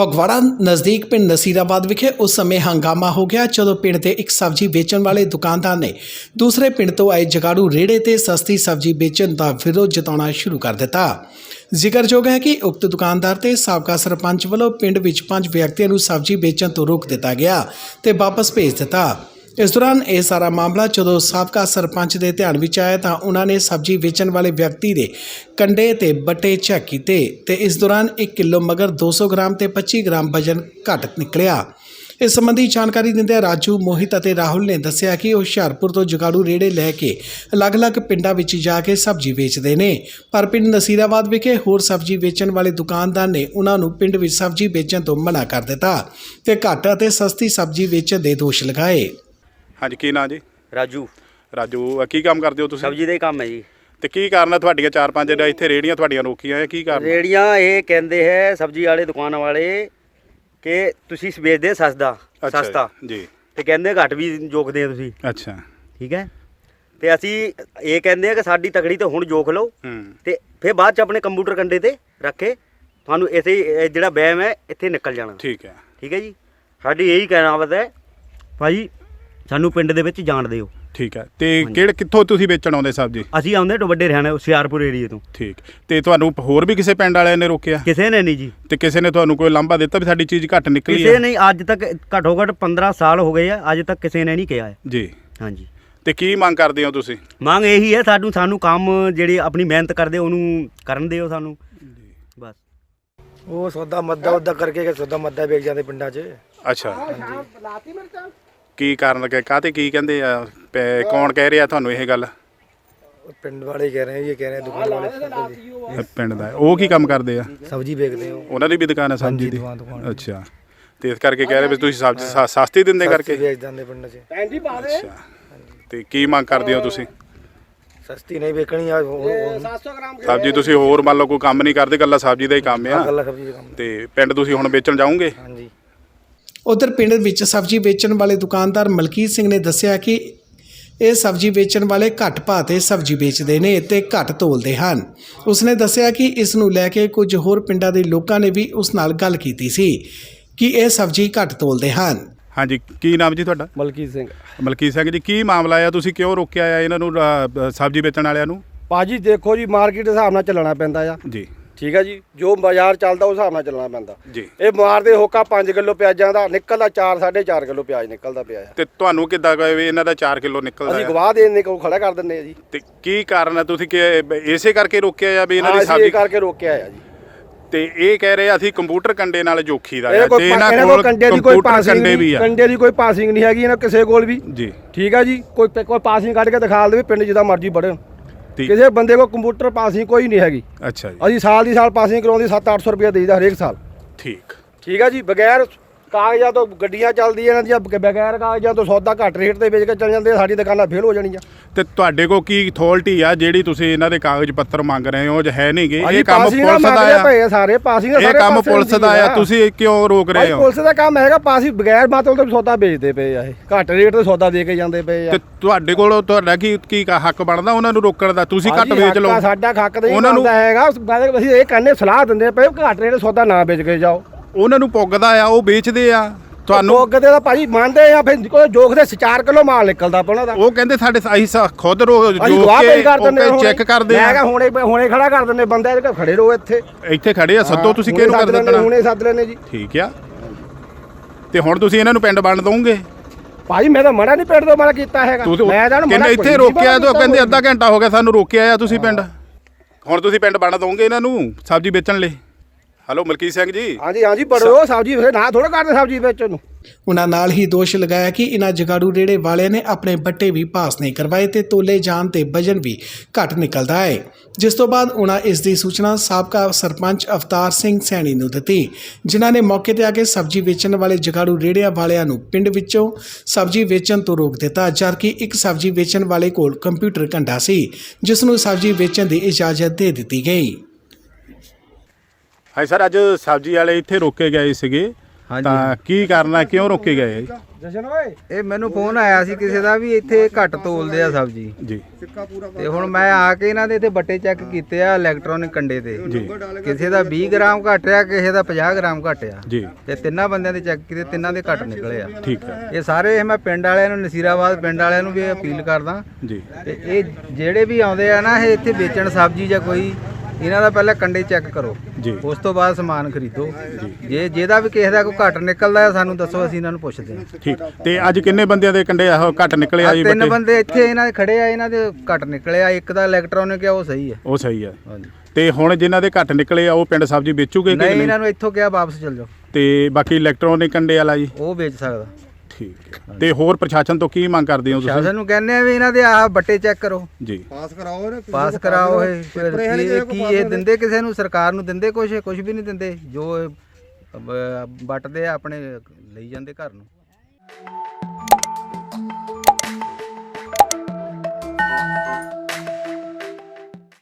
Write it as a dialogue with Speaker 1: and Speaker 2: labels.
Speaker 1: ਫਗਵਾੜਾ ਨਜ਼ਦੀਕ ਪਿੰਡ ਨਸੀਰਾਬਾਦ ਵਿਖੇ ਉਸ ਸਮੇਂ ਹੰਗਾਮਾ ਹੋ ਗਿਆ ਜਦੋਂ ਪਿੰਡ ਦੇ ਇੱਕ ਸਬਜ਼ੀ ਵੇਚਣ ਵਾਲੇ ਦੁਕਾਨਦਾਰ ਨੇ ਦੂਸਰੇ ਪਿੰਡ ਤੋਂ ਆਏ ਜਗਾੜੂ ਰੇੜੇ ਤੇ ਸਸਤੀ ਸਬਜ਼ੀ ਵੇਚਣ ਦਾ ਵਿਰੋਧ ਜਤਾਉਣਾ ਸ਼ੁਰੂ ਕਰ ਦਿੱਤਾ। ਜ਼ਿਕਰਯੋਗ ਹੈ ਕਿ ਉਕਤ ਦੁਕਾਨਦਾਰ ਤੇ ਸਾਬਕਾ ਸਰਪੰਚ ਵੱਲੋਂ ਪਿੰਡ ਵਿੱਚ 5 ਵਿਅਕਤੀਆਂ ਨੂੰ ਸਬਜ਼ੀ ਵੇਚਣ ਤੋਂ ਰੋਕ ਦਿੱਤਾ ਗਿਆ ਤੇ ਵਾਪਸ ਭੇਜ ਦਿੱਤਾ। इस दौरान यह सारा मामला जो साबका सरपंच के ध्यान में आया तो उन्होंने सब्जी वेचण वाले व्यक्ति के कंडे ते बट्टे चैक किए ते इस दौरान 1 किलो मगर 200 ग्राम ते 25 ग्राम वजन घट निकलिया। इस संबंधी जानकारी दिंदे राजू, मोहित और राहुल ने दस्सिया कि हुशियारपुर तो जगाड़ू रेड़े लैके अलग अलग पिंडों में जाके सब्जी वेचते हैं, पर पिंड नसीराबाद विखे होर सब्जी वेचण वाले दुकानदार ने उन्होंने पिंड में सब्जी बेचण तो मना कर दिता ते घट और सस्ती सब्जी वेचण के दोष लगाए।
Speaker 2: हाँ जी, की नाम जी?
Speaker 3: राजू
Speaker 2: की काम करते हो तुसीं?
Speaker 3: सब्जी का ही काम है जी।
Speaker 2: तो की कारण है तुहाडियां 4-5 इत्थे रेहड़ियां तुहाडियां रोकियां है, की कारण?
Speaker 3: रेड़ियां ये कहते हैं सब्जी वाले दुकान वाले कि तुसीं बेचदे सस्ता
Speaker 2: जी
Speaker 3: ते कहंदे घट भी जोखदे तुसीं।
Speaker 2: अच्छा
Speaker 3: ठीक है, ते असीं ये कहंदे कि साडी तकड़ी तो हुण जोख लो ते फिर बाद च अपने कंप्यूटर कंडे ते रखे तुहानूं इत्थे जिहड़ा वहम है इत्थे निकल जाना।
Speaker 2: ठीक है
Speaker 3: जी, साडी यही कहना है भाई सानू पिंड दे विच जाण दिओ।
Speaker 2: ठीक है, ते किहड़े कित्थों तुसीं वेचण आउंदे सब्जी?
Speaker 3: ਅਸੀਂ ਆਉਂਦੇ ਵੱਡੇ ਹਰਿਆਣਾ ਹੁਸ਼ਿਆਰਪੁਰ ਏਰੀਏ ਤੋਂ।
Speaker 2: ठीक, ਤੇ ਤੁਹਾਨੂੰ ਹੋਰ ਵੀ ਕਿਸੇ ਪਿੰਡ ਵਾਲਿਆਂ ਨੇ ਰੋਕਿਆ?
Speaker 3: ਕਿਸੇ ਨੇ ਨਹੀਂ ਜੀ।
Speaker 2: ਤੇ ਕਿਸੇ ਨੇ ਤੁਹਾਨੂੰ ਕੋਈ ਲਾਂਭਾ ਦਿੱਤਾ ਵੀ ਸਾਡੀ ਚੀਜ਼ ਘੱਟ ਨਿਕਲੀ ਹੈ?
Speaker 3: ਕਿਸੇ ਨਹੀਂ, ਅੱਜ ਤੱਕ ਘੱਟੋ ਘੱਟ 15 ਸਾਲ ਹੋ ਗਏ ਆ, ਅੱਜ ਤੱਕ ਕਿਸੇ ਨੇ ਨਹੀਂ ਕਿਹਾ ਹੈ
Speaker 2: ਜੀ।
Speaker 3: ਹਾਂਜੀ,
Speaker 2: ਤੇ ਕੀ ਮੰਗ ਕਰਦੇ ਹੋ ਤੁਸੀਂ?
Speaker 3: ਮੰਗ ਇਹੀ ਹੈ ਸਾਨੂੰ ਕੰਮ ਜਿਹੜੇ ਆਪਣੀ ਮਿਹਨਤ ਕਰਦੇ ਉਹਨੂੰ ਕਰਨ ਦਿਓ ਸਾਨੂੰ ਬਸ।
Speaker 4: ਉਹ ਸੌਦਾ ਮੱਦਾ ਉਦਾ ਕਰਕੇ ਸੌਦਾ ਮੱਦਾ ਵੇਚ ਜਾਂਦੇ ਪਿੰਡਾਂ 'ਚ।
Speaker 2: ਅੱਛਾ, ਕੀ ਕਾਰਨ ਕਿ ਕਾਹਤੇ ਕੀ ਕਹਿੰਦੇ ਆ? ਕੌਣ ਕਹਿ ਰਿਹਾ ਤੁਹਾਨੂੰ ਇਹ ਗੱਲ?
Speaker 4: ਪਿੰਡ ਵਾਲੇ ਕਹਿ ਰਹੇ ਇਹ ਕਹਿ ਰਹੇ ਦੁਕਾਨ ਵਾਲੇ
Speaker 2: ਪਿੰਡ ਦਾ ਉਹ ਕੀ ਕੰਮ ਕਰਦੇ ਆ?
Speaker 4: ਸਬਜ਼ੀ ਵੇਚਦੇ ਹੋ?
Speaker 2: ਉਹਨਾਂ ਦੀ ਵੀ ਦੁਕਾਨ ਹੈ ਸਬਜ਼ੀ ਦੀ?
Speaker 4: ਦੁਕਾਨ।
Speaker 2: ਅੱਛਾ, ਤੇ ਇਸ ਕਰਕੇ ਕਹਿ ਰਹੇ ਵੀ ਤੁਸੀਂ ਸਬਜ਼ੀ ਸਸਤੀ ਦਿੰਦੇ ਕਰਕੇ
Speaker 4: ਵੇਚ ਜਾਂਦੇ ਪਿੰਡ 'ਚ।
Speaker 2: ਅੱਛਾ, ਤੇ ਕੀ ਮੰਗ ਕਰਦੇ ਹੋ ਤੁਸੀਂ?
Speaker 4: ਸਸਤੀ ਨਹੀਂ ਵੇਚਣੀ ਆ।
Speaker 3: 700 ਗ੍ਰਾਮ
Speaker 2: ਸਬਜ਼ੀ ਤੁਸੀਂ ਹੋਰ ਮੰਨ ਲਓ ਕੋਈ ਕੰਮ ਨਹੀਂ ਕਰਦੇ, ਇਕੱਲਾ ਸਬਜ਼ੀ ਦਾ ਹੀ ਕੰਮ ਆ?
Speaker 4: ਗੱਲਾਂ ਸਬਜ਼ੀ ਦਾ ਕੰਮ।
Speaker 2: ਤੇ ਪਿੰਡ ਤੁਸੀਂ ਹੁਣ ਵੇਚਣ ਜਾਓਗੇ?
Speaker 4: ਹਾਂਜੀ।
Speaker 1: उधर पिंड विच सब्जी बेचण वाले दुकानदार मलकीत सिंह ने दस्सिया कि ਇਹ ਸਬਜ਼ੀ ਵੇਚਣ ਵਾਲੇ ਘੱਟ ਭਾਅ ਤੇ ਸਬਜ਼ੀ ਵੇਚਦੇ ਨੇ ਤੇ ਘੱਟ ਤੋਲਦੇ ਹਨ। ਉਸਨੇ ਦੱਸਿਆ ਕਿ ਇਸ ਨੂੰ ਲੈ ਕੇ ਕੁਝ ਹੋਰ ਪਿੰਡਾਂ ਦੇ ਲੋਕਾਂ ਨੇ ਵੀ ਉਸ ਨਾਲ ਗੱਲ ਕੀਤੀ ਸੀ ਕਿ ਇਹ ਸਬਜ਼ੀ ਘੱਟ ਤੋਲਦੇ ਹਨ।
Speaker 2: ਹਾਂਜੀ, ਕੀ ਨਾਮ ਜੀ ਤੁਹਾਡਾ?
Speaker 4: ਮਲਕੀਤ ਸਿੰਘ।
Speaker 2: ਮਲਕੀਤ ਸਿੰਘ ਜੀ, ਕੀ ਮਾਮਲਾ ਆ? ਤੁਸੀਂ ਕਿਉਂ ਰੋਕਿਆ ਆ ਇਹਨਾਂ ਨੂੰ, ਸਬਜ਼ੀ ਵੇਚਣ ਵਾਲਿਆਂ ਨੂੰ?
Speaker 4: ਭਾਜੀ ਦੇਖੋ ਜੀ, ਮਾਰਕੀਟ ਦੇ ਹਿਸਾਬ ਨਾਲ ਚੱਲਣਾ ਪੈਂਦਾ ਆ
Speaker 2: ਜੀ।
Speaker 4: ਠੀਕ ਹੈ ਜੀ, ਜੋ ਬਾਜ਼ਾਰ ਚੱਲਦਾ ਉਸ ਹਿਸਾਬ ਨਾਲ ਚੱਲਣਾ ਪੈਂਦਾ
Speaker 2: ਜੀ।
Speaker 4: ਇਹ ਮਾਰਦੇ ਹੋਕਾ 5 ਕਿਲੋ ਪਿਆਜ਼ਾਂ ਦਾ ਨਿਕਲਦਾ 4-4.5 ਕਿਲੋ ਪਿਆਜ਼ ਨਿਕਲਦਾ ਪਿਆ ਆ।
Speaker 2: ਤੇ ਤੁਹਾਨੂੰ ਕਿੱਦਾਂ ਕਹੇ ਵੀ ਇਹਨਾਂ ਦਾ 4 ਕਿਲੋ ਨਿਕਲਦਾ?
Speaker 4: ਅਸੀਂ ਗਵਾਹ ਦੇਣ ਕੋਲ ਖੜਾ ਕਰ ਦਿੰਦੇ ਆ ਜੀ।
Speaker 2: ਤੇ ਕੀ ਕਾਰਨ ਹੈ? ਤੁਸੀਂ ਕਿ ਇਸੇ ਕਰਕੇ ਰੋਕਿਆ ਆ ਵੀ ਇਹਨਾਂ ਦੀ
Speaker 4: ਅਸੀਂ
Speaker 2: ਸਬਜ਼ੀ
Speaker 4: ਇਹ ਕਰਕੇ ਰੋਕਿਆ ਆ ਜੀ।
Speaker 2: ਤੇ ਇਹ ਕਹਿ ਰਹੇ ਅਸੀਂ ਕੰਪਿਊਟਰ ਕੰਡੇ ਨਾਲ ਜੋਖੀ ਦਾ
Speaker 4: ਇਹ
Speaker 2: ਆ ਤੇ ਇਹਨਾਂ ਕੋਲ
Speaker 4: ਕੰਡੇ ਦੀ ਕੋਈ ਪਾਸਿੰਗ ਨਹੀਂ ਹੈਗੀ ਇਹਨਾਂ ਕਿਸੇ ਕੋਲ ਵੀ
Speaker 2: ਜੀ।
Speaker 4: ਠੀਕ ਹੈ ਜੀ, ਕੋਈ ਪਾਸਿੰਗ ਕੱਢ ਕੇ ਦਿਖਾ ਦੇਵੇ ਪਿੰਡ ਜਿੱਦਾਂ ਮਰਜ਼ੀ ਵੜਨ।
Speaker 2: ਠੀਕ।
Speaker 4: ਕਿਸੇ ਬੰਦੇ ਕੋਲ ਕੰਪਿਊਟਰ ਪਾਸਿੰਗ ਕੋਈ ਨਹੀਂ ਹੈਗੀ।
Speaker 2: ਅੱਛਾ ਜੀ।
Speaker 4: ਅਸੀਂ ਸਾਲ ਦੀ ਸਾਲ ਪਾਸਿੰਗ ਕਰਾਉਂਦੀ 700-800 ਰੁਪਏ ਦੇਈਦਾ ਹਰੇਕ ਸਾਲ।
Speaker 2: ਠੀਕ।
Speaker 4: ਠੀਕ ਹੈ ਜੀ, ਬਗੈਰ ਕਾਗਜ਼ਾਂ ਤੋਂ ਗੱਡੀਆਂ ਚੱਲਦੀਆਂ ਇਹਨਾਂ ਦੀਆਂ, ਬਗੈਰ ਕਾਗਜ਼ਾਂ ਤੋਂ ਸੌਦਾ ਘੱਟ ਰੇਟ ਤੇ ਵੇਚ ਕੇ ਚੱਲ ਜਾਂਦੇ, ਸਾਡੀ ਦੁਕਾਨਾਂ ਫੇਲ ਹੋ ਜਾਣੀਆਂ।
Speaker 2: ਤੇ ਤੁਹਾਡੇ ਕੋਲ ਕੀ ਅਥਾਰਟੀ ਆ ਜਿਹੜੀ ਤੁਸੀਂ ਇਹਨਾਂ ਦੇ ਕਾਗਜ਼ ਪੱਤਰ ਮੰਗ ਰਹੇ ਹੋ? ਜੇ ਹੈ ਨਹੀਂਗੇ,
Speaker 4: ਇਹ ਕੰਮ ਪੁਲਿਸ ਦਾ ਆ। ਸਾਰੇ ਪਾਸਿੰਗ
Speaker 2: ਇਹ ਕੰਮ ਪੁਲਿਸ ਦਾ ਆ, ਤੁਸੀਂ ਕਿਉਂ ਰੋਕ ਰਹੇ ਹੋ?
Speaker 4: ਪੁਲਿਸ ਦਾ ਕੰਮ ਹੈਗਾ, ਪਾਸਿੰਗ ਬਗੈਰ ਮਾਤਲ ਤੋਂ ਸੌਦਾ ਵੇਚਦੇ ਪਏ ਆ, ਇਹ ਘੱਟ ਰੇਟ ਤੇ ਸੌਦਾ ਦੇ ਕੇ ਜਾਂਦੇ ਪਏ ਆ।
Speaker 2: ਤੇ ਤੁਹਾਡੇ ਕੋਲ ਤੁਹਾਡਾ ਕੀ ਹੱਕ ਬਣਦਾ ਉਹਨਾਂ ਨੂੰ ਰੋਕਣ ਦਾ? ਤੁਸੀਂ ਘੱਟ ਵੇਚ ਲਓ।
Speaker 4: ਸਾਡਾ ਹੱਕ ਤਾਂ ਉਹਨਾਂ ਨੂੰ ਹੈਗਾ, ਅਸੀਂ ਇਹ ਕਹਿੰਦੇ ਸਲਾਹ ਦਿੰਦੇ ਪਏ ਘੱਟ ਰੇਟ ਸੌਦਾ ਨਾ ਵੇਚ ਕੇ ਜਾਓ।
Speaker 2: ਉਹਨਾਂ ਨੂੰ ਪੁੱਗਦਾ ਆ, ਉਹ ਵੇਚਦੇ ਆ। ਤੁਹਾਨੂੰ
Speaker 4: ਪੁੱਗਦੇ ਤਾਂ ਭਾਜੀ ਮੰਨਦੇ ਆ, ਫਿਰ ਕੋਈ ਜੋਖਦੇ 4 ਕਿਲੋ ਮਾਲ ਨਿਕਲਦਾ ਉਹਨਾਂ ਦਾ।
Speaker 2: ਉਹ ਕਹਿੰਦੇ ਸਾਡੇ ਅਸੀਂ ਖੁਦ ਚੈੱਕ ਕਰਦੇ ਆ।
Speaker 4: ਮੈਂ ਕਿਹਾ ਹੁਣੇ ਖੜਾ ਕਰ ਦਿੰਦੇ ਬੰਦੇ, ਖੜੇ ਰਹੋ
Speaker 2: ਇੱਥੇ ਖੜੇ ਆ, ਸੱਦੋ। ਤੁਸੀਂ ਕਿਹਨੂੰ ਕਰ ਦਿੰਦੇ?
Speaker 4: ਹੁਣੇ ਸੱਦ ਲੈਣੇ ਜੀ।
Speaker 2: ਠੀਕ ਆ, ਤੇ ਹੁਣ ਤੁਸੀਂ ਇਹਨਾਂ ਨੂੰ ਪਿੰਡ ਵੰਡ ਦੋਗੇ?
Speaker 4: ਭਾਜੀ ਮੈਂ ਤਾਂ ਮੜਾ ਨਹੀਂ ਪਿੰਡ ਤੋਂ ਮੜਾ ਕੀਤਾ ਹੈਗਾ। ਮੈਂ ਤਾਂ
Speaker 2: ਕਹਿੰਦੇ ਇੱਥੇ ਰੋਕਿਆ ਤੇ ਕਹਿੰਦੇ ਅੱਧਾ ਘੰਟਾ ਹੋ ਗਿਆ ਸਾਨੂੰ ਰੋਕਿਆ ਆ ਤੁਸੀਂ ਪਿੰਡ। ਹੁਣ ਤੁਸੀਂ ਪਿੰਡ ਵੰਡ ਦੋਗੇ ਇਹਨਾਂ ਨੂੰ ਸਬਜ਼ੀ ਵੇਚਣ ਲਈ? ਹੈਲੋ ਮਲਕੀਤ ਸਿੰਘ ਜੀ।
Speaker 4: ਹਾਂਜੀ ਬੜੋ ਸਬਜ਼ੀ ਨਾ ਥੋੜਾ ਕਰਦੇ ਸਬਜ਼ੀ ਵੇਚਣ ਨੂੰ।
Speaker 1: ਉਹਨਾਂ ਨਾਲ ਹੀ ਦੋਸ਼ ਲਗਾਇਆ ਕਿ ਇਹਨਾਂ ਜਗਾੜੂ ਰੇੜੇ ਵਾਲਿਆਂ ਨੇ ਆਪਣੇ ਬੱਟੇ ਵੀ ਪਾਸ ਨਹੀਂ ਕਰਵਾਏ ਤੇ ਤੋਲੇ ਜਾਣ ਤੇ ਵਜਨ ਵੀ ਘੱਟ ਨਿਕਲਦਾ ਹੈ, ਜਿਸ ਤੋਂ ਬਾਅਦ ਉਹਨਾਂ ਇਸ ਦੀ ਸੂਚਨਾ ਸਾਬਕਾ ਸਰਪੰਚ ਅਵਤਾਰ ਸਿੰਘ ਸੈਣੀ ਨੂੰ ਦਿੱਤੀ, ਜਿਨ੍ਹਾਂ ਨੇ ਮੌਕੇ ਤੇ ਆ ਕੇ ਸਬਜ਼ੀ ਵੇਚਣ ਵਾਲੇ ਜਗਾੜੂ ਰੇੜਿਆਂ ਵਾਲਿਆਂ ਨੂੰ ਪਿੰਡ ਵਿੱਚੋਂ ਸਬਜ਼ੀ ਵੇਚਣ ਤੋਂ ਰੋਕ ਦਿੱਤਾ, ਜਦਕਿ ਇੱਕ ਸਬਜ਼ੀ ਵੇਚਣ ਵਾਲੇ ਕੋਲ ਕੰਪਿਊਟਰ ਘੰਟਾ ਸੀ ਜਿਸ ਨੂੰ ਸਬਜ਼ੀ ਵੇਚਣ ਦੀ ਇਜਾਜ਼ਤ ਦੇ ਦਿੱਤੀ ਗਈ।
Speaker 2: ਹਾਂ ਸਰ, ਅੱਜ ਸਬਜ਼ੀ ਵਾਲੇ ਇੱਥੇ ਰੋਕੇ ਗਏ ਸੀਗੇ
Speaker 5: ਹਾਂਜੀ।
Speaker 2: ਤਾਂ ਕੀ ਕਰਨਾ, ਕਿਉਂ ਰੋਕੇ ਗਏ?
Speaker 4: ਜਸ਼ਨ ਓਏ
Speaker 5: ਇਹ ਮੈਨੂੰ ਫੋਨ ਆਇਆ ਸੀ ਕਿਸੇ ਦਾ ਵੀ ਇੱਥੇ ਘੱਟ ਤੋਲਦੇ ਆ ਸਬਜ਼ੀ,
Speaker 2: ਜੀ
Speaker 5: ਤੇ ਹੁਣ ਮੈਂ ਆ ਕੇ ਇਹਨਾਂ ਦੇ ਇੱਥੇ ਬੱਟੇ ਚੈੱਕ ਕੀਤੇ ਆ ਇਲੈਕਟ੍ਰੋਨਿਕ ਕੰਡੇ ਤੇ।
Speaker 2: ਜੀ
Speaker 5: ਕਿਸੇ ਦਾ 20 ਗ੍ਰਾਮ ਘੱਟ ਆ, ਕਿਸੇ ਦਾ 50 ਗ੍ਰਾਮ ਘੱਟ ਆ,
Speaker 2: ਜੀ
Speaker 5: ਤੇ ਤਿੰਨਾਂ ਬੰਦਿਆਂ ਦੇ ਚੈੱਕ ਕੀਤੇ, ਤਿੰਨਾਂ ਦੇ ਘੱਟ ਨਿਕਲੇ ਆ।
Speaker 2: ਠੀਕ ਹੈ
Speaker 5: ਇਹ ਸਾਰੇ ਮੈਂ ਪਿੰਡ ਵਾਲਿਆਂ ਨੂੰ, ਨਸੀਰਾਬਾਦ ਪਿੰਡ ਵਾਲਿਆਂ ਨੂੰ ਵੀ ਅਪੀਲ ਕਰਦਾ,
Speaker 2: ਜੀ
Speaker 5: ਤੇ ਇਹ ਜਿਹੜੇ ਵੀ ਆਉਂਦੇ ਆ ਨਾ ਇਹ ਇੱਥੇ ਵੇਚਣ ਸਬਜ਼ੀ ਜਾਂ ਕੋਈ, ਇਹਨਾਂ ਦਾ ਪਹਿਲਾਂ ਕੰਡੇ ਚੈੱਕ ਕਰੋ,
Speaker 2: ਜੀ
Speaker 5: ਉਸ ਤੋਂ ਬਾਅਦ ਸਮਾਨ ਖਰੀਦੋ। ਜੇ ਜਿਹਦਾ ਵੀ ਕਿਸੇ ਦਾ ਕੋਈ ਘੱਟ ਨਿਕਲਦਾ ਹੈ ਸਾਨੂੰ ਦੱਸੋ, ਅਸੀਂ ਇਹਨਾਂ ਨੂੰ ਪੁੱਛਦੇ ਹਾਂ।
Speaker 2: ਠੀਕ। ਤੇ ਅੱਜ ਕਿੰਨੇ ਬੰਦਿਆਂ ਦੇ ਕੰਡੇ ਆਹ ਘੱਟ ਨਿਕਲੇ ਆ ਜੀ?
Speaker 5: ਤਿੰਨ
Speaker 2: ਬੱਟੇ
Speaker 5: ਬੰਦੇ ਇੱਥੇ ਇਹਨਾਂ ਦੇ ਖੜੇ ਆ, ਇਹਨਾਂ ਦੇ ਘੱਟ ਨਿਕਲੇ ਆ। ਇੱਕ ਦਾ ਇਲੈਕਟ੍ਰੋਨਿਕ ਆ, ਉਹ ਸਹੀ ਹੈ।
Speaker 2: ਉਹ ਸਹੀ ਆ।
Speaker 5: ਹਾਂਜੀ।
Speaker 2: ਤੇ ਹੁਣ ਜਿਨ੍ਹਾਂ ਦੇ ਘੱਟ ਨਿਕਲੇ ਆ ਉਹ ਪਿੰਡ ਸਬਜ਼ੀ ਵੇਚੂਗੇ ਕਿ
Speaker 5: ਨਹੀਂ,
Speaker 2: ਨਹੀਂ?
Speaker 5: ਇਹਨਾਂ ਨੂੰ ਇੱਥੋਂ ਕਿਹਾ ਵਾਪਸ ਚਲ ਜਾਓ,
Speaker 2: ਤੇ ਬਾਕੀ ਇਲੈਕਟ੍ਰੋਨਿਕ ਕੰਡੇ ਵਾਲਾ ਜੀ?
Speaker 5: ਉਹ ਵੇਚ ਸਕਦਾ।
Speaker 2: ਠੀਕ ਹੈ। ਤੇ ਹੋਰ ਪ੍ਰਸ਼ਾਸਨ ਤੋਂ ਕੀ ਮੰਗ ਕਰਦੇ ਹੋ ਤੁਸੀਂ?
Speaker 5: ਸ਼ਾਸਨ ਨੂੰ ਕਹਿੰਦੇ ਆ ਵੀ ਇਹਨਾਂ ਦੇ ਆਹ ਬੱਟੇ ਚੈੱਕ ਕਰੋ,
Speaker 2: ਜੀ
Speaker 4: ਪਾਸ ਕਰਾਓ
Speaker 5: ਪਾਸ ਕਰਾਓ। ਇਹ ਫਿਰ ਕੀ ਇਹ ਦਿੰਦੇ ਕਿਸੇ ਨੂੰ, ਸਰਕਾਰ ਨੂੰ ਦਿੰਦੇ ਕੁਝ ਵੀ ਨਹੀਂ ਦਿੰਦੇ। ਜੋ ਇਹ ਵੱਟਦੇ ਆ ਆਪਣੇ ਲਈ ਜਾਂਦੇ ਘਰ ਨੂੰ।